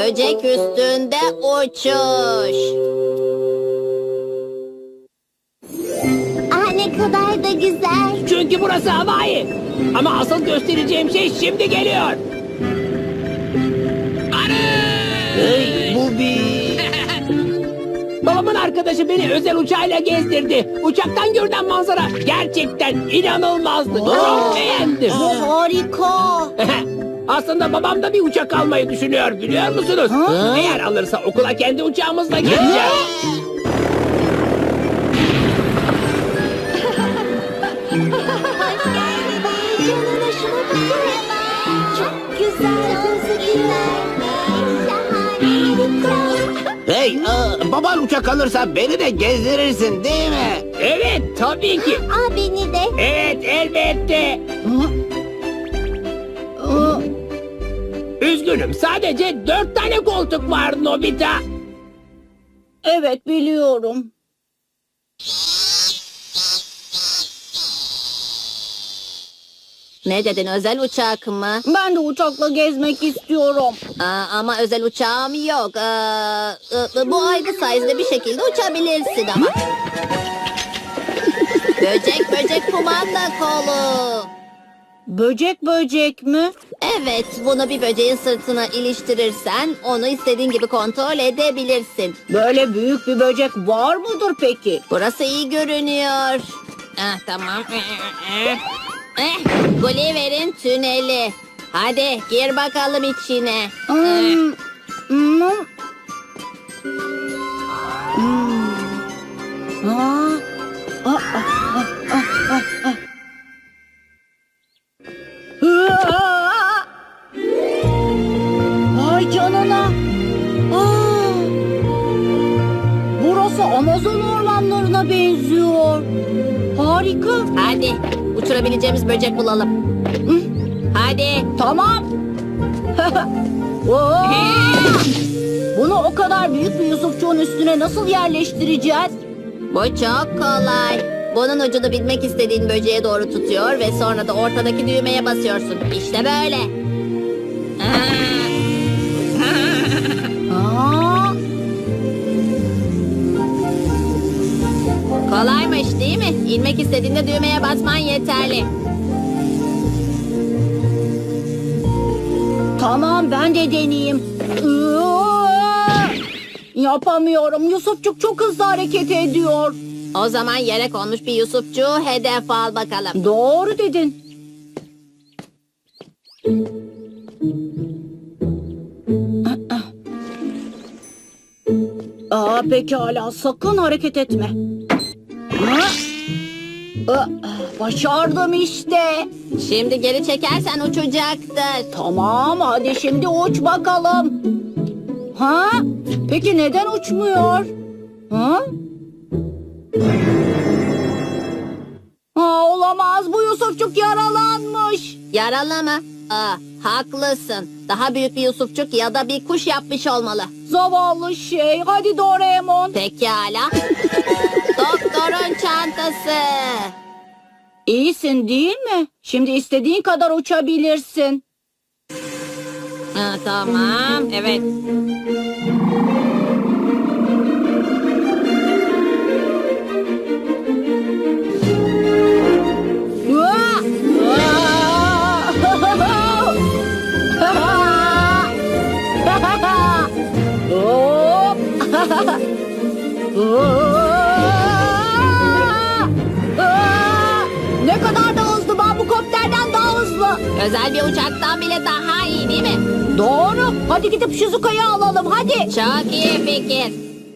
Böcek üstünde uçuş. Ah, ne kadar da güzel. Çünkü burası Hawaii. Ama asıl göstereceğim şey şimdi geliyor. Hey, bu bir... Babamın arkadaşı beni özel uçağıyla gezdirdi. Uçaktan görünen manzara gerçekten inanılmazdı. Çok beğendim. Bu harika. Aslında babam da bir uçak almayı düşünüyor, biliyor musunuz? Eğer alırsa okula kendi uçağımızla gideceğiz. Hoş geldin. Vay canına, şuna bakın. Çok güzel gözüküyor. Şahane, harika. Hey, baban uçak alırsa beni de gezdirirsin değil mi? Evet, tabii ki. Aa, beni de. Evet, elbette. Üzgünüm, sadece 4 tane koltuk var Nobita. Evet, biliyorum. Ne dedin, özel uçak mı? Ben de uçakla gezmek istiyorum. Ama özel uçağım yok. Bu aygı sayesinde bir şekilde uçabilirsin ama. Böcek kumanda kolu. Böcek mi? Evet, bunu bir böceğin sırtına iliştirirsen onu istediğin gibi kontrol edebilirsin. Böyle büyük bir böcek var mıdır peki? Burası iyi görünüyor. Tamam. Gulliver'in tüneli. Hadi gir bakalım içine. Hmm, hmm, Aa, Aa! Vay canına. Aa! Burası Amazon ormanlarına benziyor. Harika. Hadi uçurabileceğimiz böcek bulalım. Hadi. Tamam. Oo! Bunu o kadar büyük bir Yusufçuğun üstüne nasıl yerleştireceğiz? Bu çok kolay. Bunun ucunu bilmek istediğin böceğe doğru tutuyor ve sonra da ortadaki düğmeye basıyorsun. İşte böyle. Aa! Kolaymış değil mi? İnmek istediğinde düğmeye basman yeterli. Tamam, ben de deneyeyim. Yapamıyorum. Yusufçuk çok hızlı hareket ediyor. O zaman yere konmuş bir Yusufçuğu hedef al bakalım. Doğru dedin. Pekala, sakın hareket etme. Başardım işte. Şimdi geri çekersen uçacaktır. Tamam, hadi şimdi uç bakalım. Ha? Peki neden uçmuyor? Ha? Olamaz, bu Yusufçuk yaralanmış. Yaralı mı? Haklısın. Daha büyük bir Yusufçuk ya da bir kuş yapmış olmalı. Zavallı şey. Hadi Doraemon. Pekala. Doktorun çantası. İyisin değil mi? Şimdi istediğin kadar uçabilirsin. Tamam. Evet. Ne kadar da hızlı, bambukopterden daha hızlı. Özel bir uçaktan bile daha iyi değil mi? Doğru. Hadi gidip Shizuka'yı alalım hadi. Çok iyi fikir.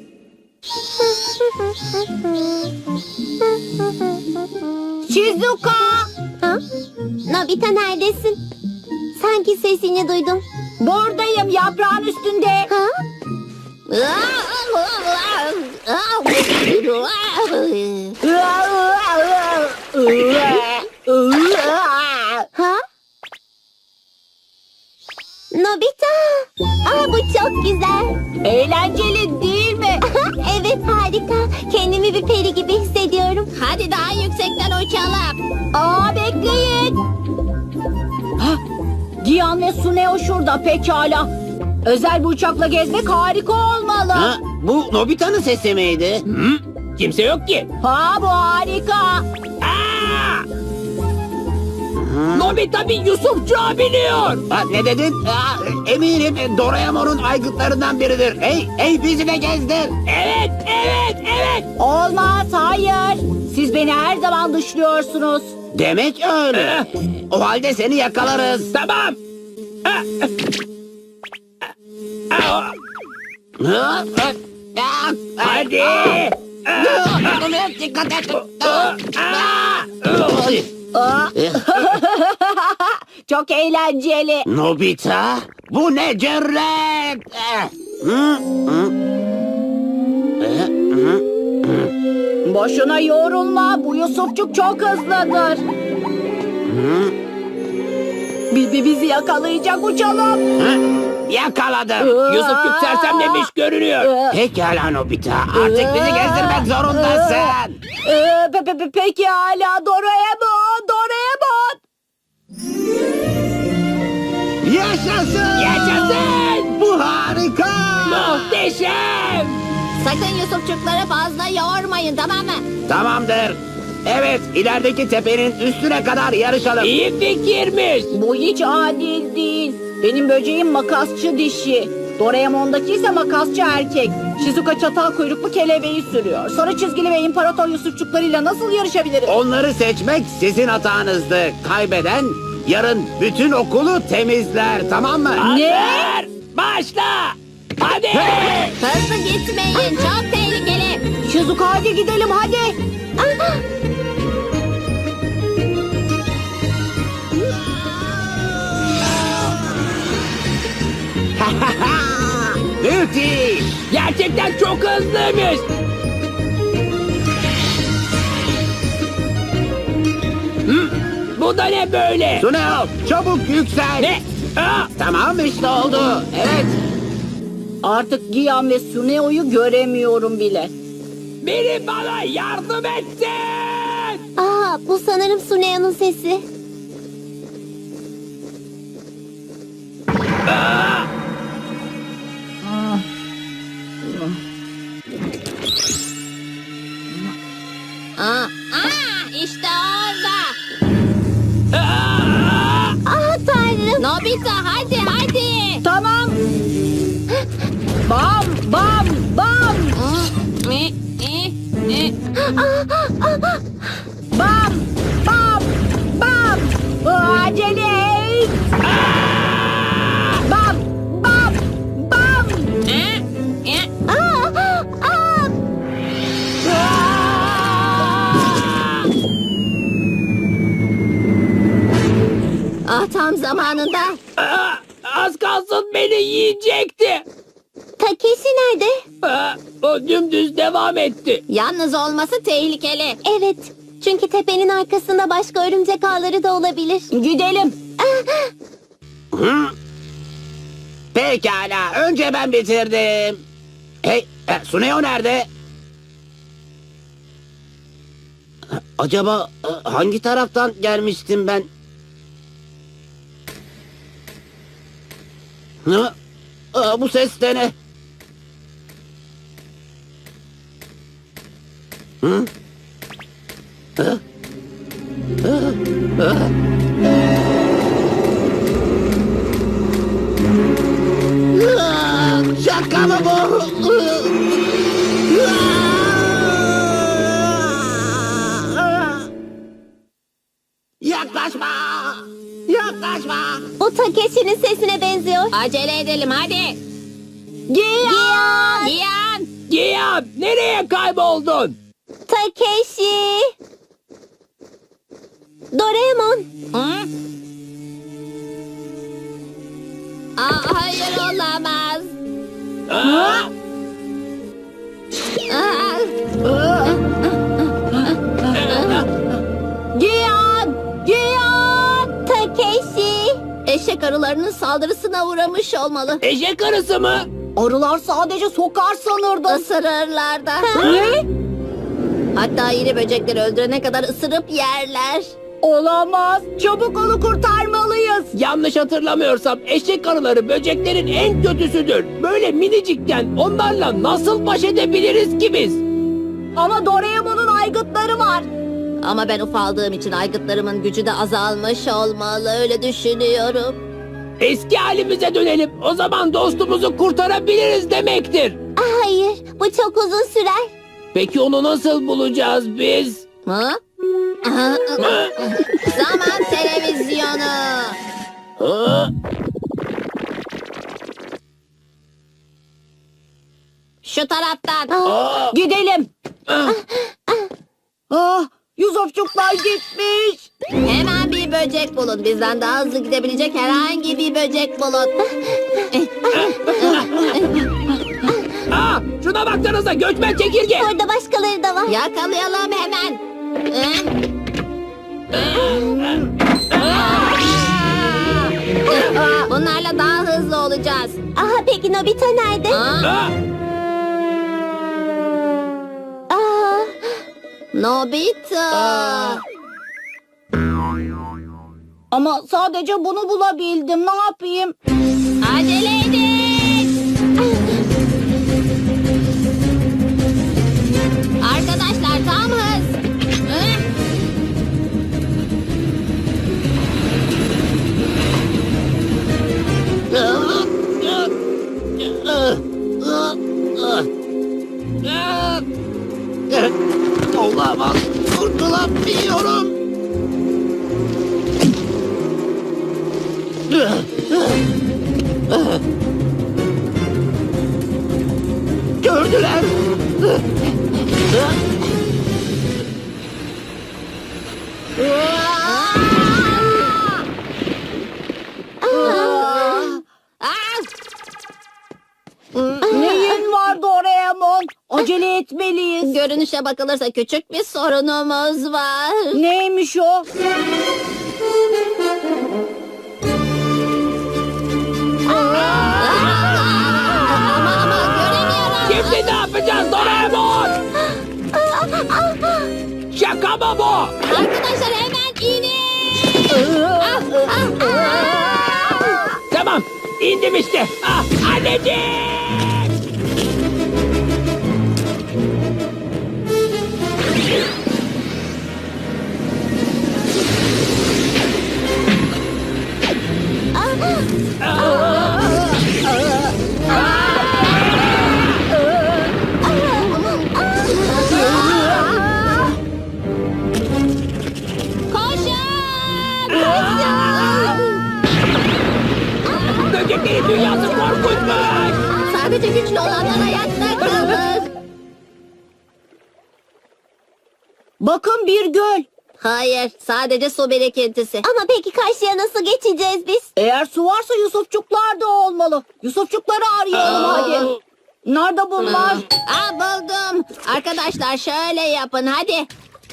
Shizuka. Ha? Nobita, neredesin? Sanki sesini duydum. Buradayım, yaprağın üstünde. Ha? Ha? Nobita. Bu çok güzel. Eğlenceli değil mi? Evet, harika. Kendimi bir peri gibi hissediyorum. Hadi daha yüksekten uçalım. Bekleyin. Dian ve Suneo şurada, pekala. Özel bir uçakla gezmek harika olmalı. Ha, bu Nobita'nın sesi miydi? Hı? Kimse yok ki. Ha bu harika. Aa! Nobita bir Yusufçuğa biniyor. Ha, ne dedin? Eminim Doraemon'un aygıtlarından biridir. Hey bizi de gezdir. Evet, evet, evet. Olmaz, hayır. Siz beni her zaman dışlıyorsunuz. Demek öyle. O halde seni yakalarız. Tamam. Ah, ah, ah. Hadi. Dikkat et. Ah, Ay. Aa, çok eğlenceli. Nobita, bu ne cüret? Hı? Boşuna yorulma. Bu Yusufçuk çok hızlıdır. Bizi yakalayacak, uçalım. Yakaladım. Yusufçuk sersemlemiş görünüyor. Pekala Nobita, artık bizi gezdirmek zorundasın. Peki hala Doraemon. Yaşasın. Yaşasın. Bu harika. Muhteşem. Sakın Yusufçukları fazla yormayın, tamam mı? Tamamdır. Evet, ilerideki tepenin üstüne kadar yarışalım. İyi fikirmiş. Bu hiç adil değil. Benim böceğim makasçı dişi. Doraemon'daki ise makasçı erkek. Shizuka çatal kuyruklu kelebeği sürüyor. Sarı çizgili ve imparator Yusufçuklarıyla nasıl yarışabilirim? Onları seçmek sizin hatanızdı. Kaybeden yarın bütün okulu temizler, tamam mı? Hazır. Başla. Hadi. Hızlı gitmeyin, çok tehlikeli. Shizuka hadi gidelim hadi. Müthiş. Gerçekten çok hızlıymış. Hı? Bu da ne böyle? Suneo, çabuk yüksel. Ne? Aa! Tamam işte oldu. Evet. Artık Gian ve Suneo'yu göremiyorum bile. Biri bana yardım etsin. Aa, bu sanırım Suneo'nun sesi. İşte orada. Ah tanrım. Nobita, hadi. Tamam. Bam bam bam. Bam bam bam. Acele et. Bam bam bam. Ah, tam zamanında. Aa, az kalsın beni yiyecekti. Takeshi nerede? Aa, o dümdüz devam etti. Yalnız olması tehlikeli. Evet. Çünkü tepenin arkasında başka örümcek ağları da olabilir. Gidelim. Hı? Pekala, önce ben bitirdim. Hey, Suneo nerede? Acaba hangi taraftan gelmiştim ben? Hı? Bu ses de ne? Hı? Hı? Hı? Hı? Şaka mı bu? Yaklaşma! Yaklaşma! Bu Takeshi'nin sesine benziyor. Acele edelim, hadi. Gian! Gian. Gian, nereye kayboldun? Takeshi! Doraemon! Hı? Hayır, olamaz. Aa, Gian! Gian! Takeshi! Eşek arılarının saldırısına uğramış olmalı. eşek arısı mı? Arılar sadece sokar sanırdım. Isırırlar da. Ne? Hatta iri böcekleri öldürene kadar ısırıp yerler. Olamaz. Çabuk onu kurtarmalıyız. Yanlış hatırlamıyorsam eşek arıları böceklerin en kötüsüdür. Böyle minicikken onlarla nasıl baş edebiliriz ki biz? Ama Doraemon'un aygıtları var. Ama ben ufaldığım için aygıtlarımın gücü de azalmış olmalı, öyle düşünüyorum. Eski halimize dönelim. O zaman dostumuzu kurtarabiliriz demektir. Hayır, bu çok uzun sürer. Peki onu nasıl bulacağız biz? Ha? Zaman televizyonu. Ha? Şu taraftan. Aa! Gidelim. Ah! Yusufçuklar gitmiş. Hemen bir böcek bulun. Bizden daha hızlı gidebilecek herhangi bir böcek bulun. Şuna baksanıza, göçmen çekirge. Orada başkaları da var. Yakalayalım hemen. Bunlarla daha hızlı olacağız. Aha, peki Nobita nerede? Ah! Aa, Nobita. Ama sadece bunu bulabildim. Ne yapayım? Acele edin. Arkadaşlar tam hız. Olamaz. Kurtulamıyorum. Gördüler. Neyin var Doraemon? Acele etmeliyiz. Görünüşe bakılırsa küçük bir sorunumuz var. Neymiş o? Ama göremiyorum. Şimdi ne yapacağız Doraemon? Şaka mı bu? Arkadaşlar hemen inin. Tamam, indim işte. Anneciğim! Böceklerin dünyası korkunçmuş. Sadece güçlü olanlar hayatta kalır. Bakın bir göl. Hayır, sadece su birikintisi. ama peki karşıya nasıl geçeceğiz biz? Eğer su varsa Yusufçuklar da olmalı. Yusufçukları arayalım hadi. Nerede bunlar? Buldum. Arkadaşlar şöyle yapın hadi.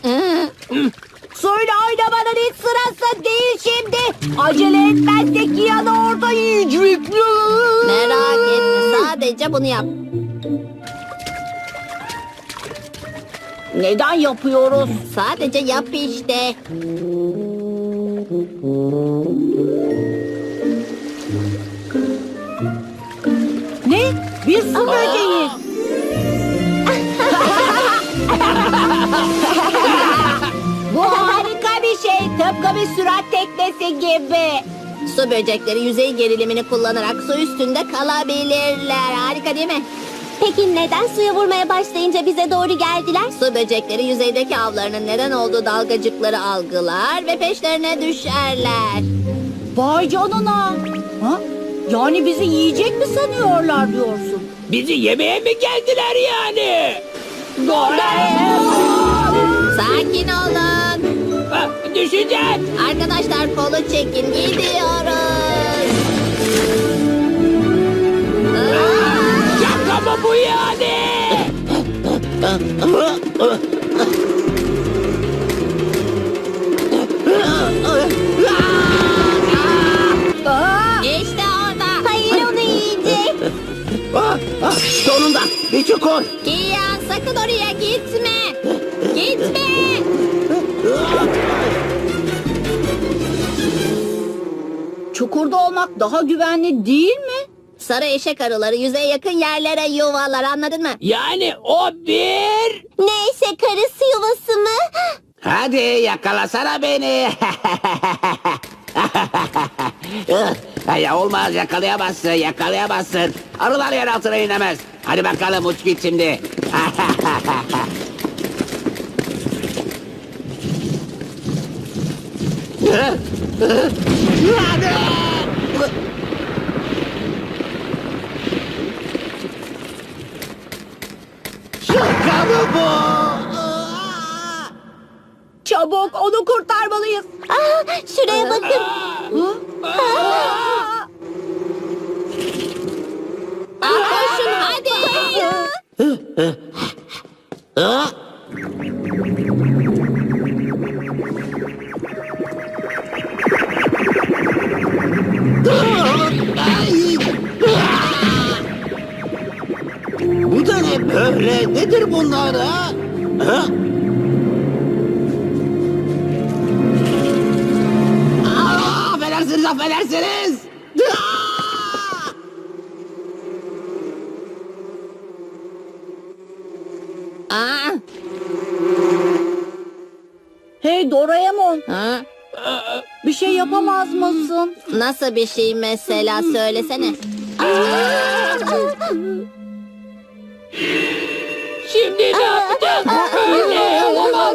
Suyla oynamanın hiç sırası değil şimdi. Acele etmezsek Kiyan'ı orada yiyecek. Merak etme, sadece bunu yap. Neden yapıyoruz? Sadece yap işte. Ne? Bir su böceği. Bu harika bir şey. Tıpkı bir sürat teknesi gibi. Su böcekleri yüzey gerilimini kullanarak su üstünde kalabilirler. Harika değil mi? Peki neden suya vurmaya başlayınca bize doğru geldiler? Su böcekleri yüzeydeki avlarının neden olduğu dalgacıkları algılar ve peşlerine düşerler. Vay canına. Ha? Yani bizi yiyecek mi sanıyorlar diyorsun? Bizi yemeye mi geldiler yani? Sakin olun. Düşeceğiz. Arkadaşlar kolu çekin, gidiyoruz. Şaka mı bu yani? İşte orada. Hayır, onu yiyecek. Sonunda bir çukur. Kiyan sakın oraya gitme. Gitme. Çukurda olmak daha güvenli değil mi? Sarı eşek arıları yüzeye yakın yerlere yuvalar, anladın mı? Yani o bir... Neyse, karısı yuvası mı? Hadi yakalasana beni. Ya olmaz, yakalayamazsın. Arılar yer altına inemez. Hadi bakalım, uç git şimdi. Şaka mı bu? Çabuk onu kurtarmalıyız. Şuraya bakın. Koşun hadi. Bu da ne böyle? Nedir bunlar ha? Ha? Affedersiniz. Aa, Hey Doraemon, ha? bir şey yapamaz mısın? Nasıl bir şey mesela, söylesene. Şimdi ne yapacağız? Böyle olamaz.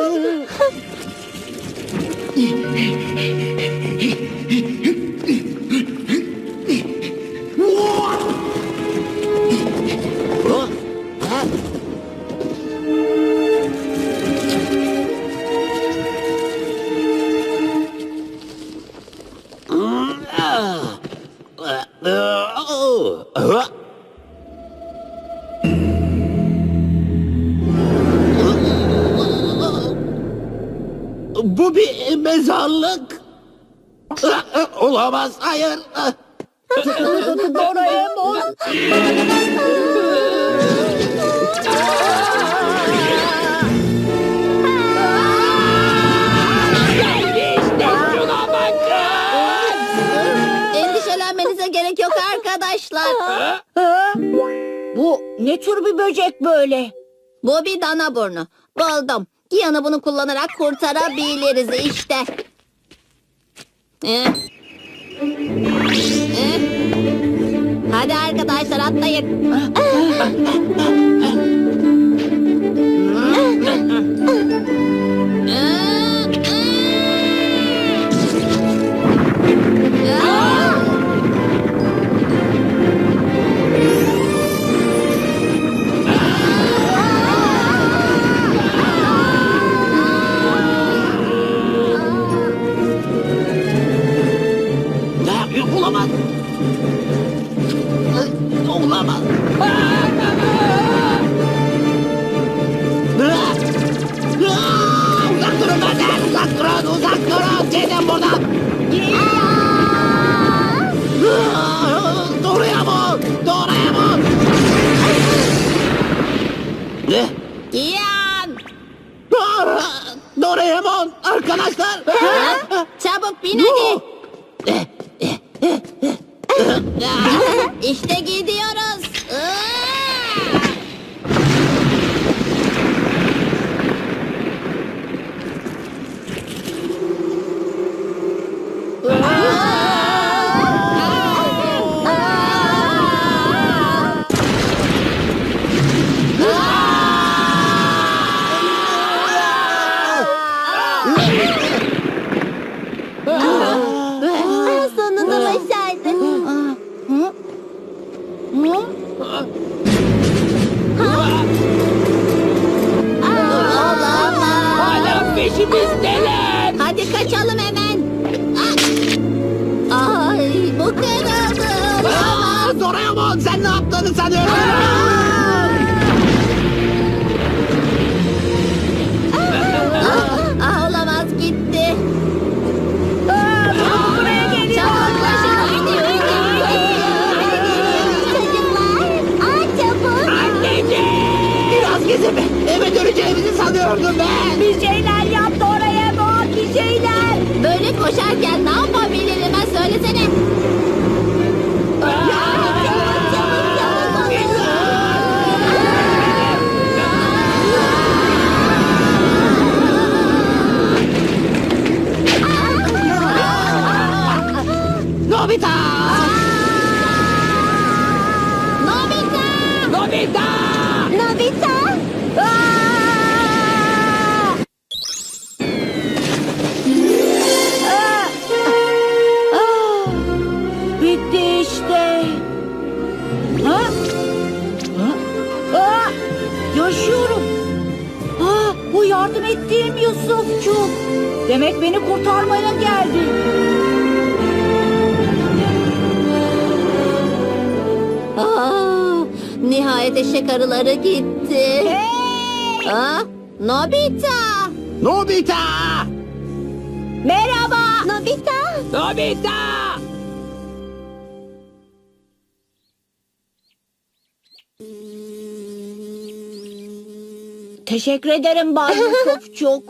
Bu bir mezarlık. Olamaz, hayır. Doraemon. Geldi işte, şuna bakın. Endişelenmenize gerek yok arkadaşlar. Bu ne tür bir böcek böyle? Bu bir dana burnu. Buldum. Giyan'ı bunu kullanarak kurtarabiliriz işte. Hadi arkadaşlar, atlayın. Ne yapıyor? Olamaz. Olamaz. Uzak durun benden! Uzak durun! Gidin buradan! Doraemon! Ne? Giyan! Doraemon! Arkadaşlar! Çabuk bin hadi. İşte gidiyoruz. Sonunda başardın. Olamaz. Hala peşimizdeler. Hadi kaçalım hemen. Ay, bu kırıldı. Olamaz. Doraemon, sen ne yaptığını sanıyorsun? Olamaz, gitti. Çabuk koşun hadi. Çocuklar, çabuk. Anneciğim. Biraz gezip eve döneceğimizi sanıyordum ben. Bir şeyler yap Doraemon, bir şeyler. Böyle koşarken ne yapabilirim, ha söylesene. Nobita! Nobita! Nobita! Nobita! Aa! Aa! Aa! Bitti işte. Ha? Ha? Aa! Yaşıyorum. Bu yardım ettiğim Yusufçuk. Demek beni kurtarmaya geldi. Nihayet eşek arıları gitti. Aa, Nobita! Nobita! Merhaba. Nobita. Nobita! Teşekkür ederim Bay Yusufçuk.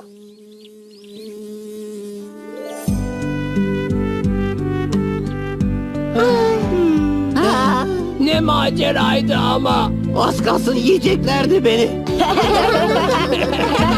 Ne maceraydı ama. Az kalsın yiyeceklerdi beni.